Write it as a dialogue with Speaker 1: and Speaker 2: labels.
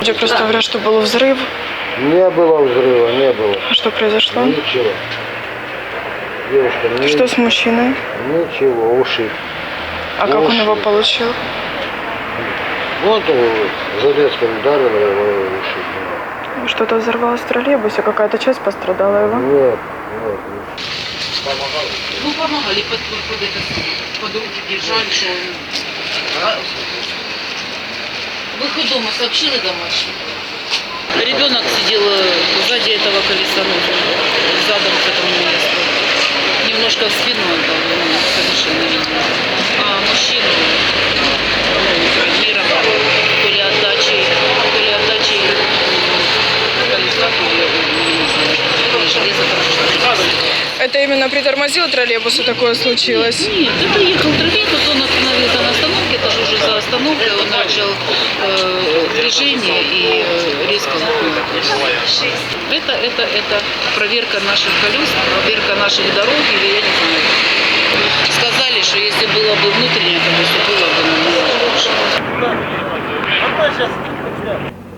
Speaker 1: Люди просто говорят, что был взрыв.
Speaker 2: Не было взрыва, не было.
Speaker 1: А что произошло?
Speaker 2: Ничего. Девушка,
Speaker 1: Что с мужчиной?
Speaker 2: Ничего, ушиб.
Speaker 1: А как он его получил?
Speaker 2: Вот железкой ударила его и ушиб.
Speaker 1: Что-то взорвалось в троллейбусе, какая-то часть пострадала его?
Speaker 2: Нет.
Speaker 3: Ну, помогали, под руки держали, что выход дома сообщили домашним. Ребенок сидел сзади этого колеса, задом к этому месту. Немножко в спину отдал, совершенно видно. А мужчину травмировал то ли отдачей колеса, то ли железо,
Speaker 1: Это именно притормозил троллейбус, и такое случилось?
Speaker 3: Нет, это ехал троллейбус, он остановился на остановке, это же уже за остановкой, он начал движение и резко упал. Это проверка наших колес, проверка наших дорог, или я не знаю. Сказали, что если было бы внутреннее колесо, было бы намного лучше.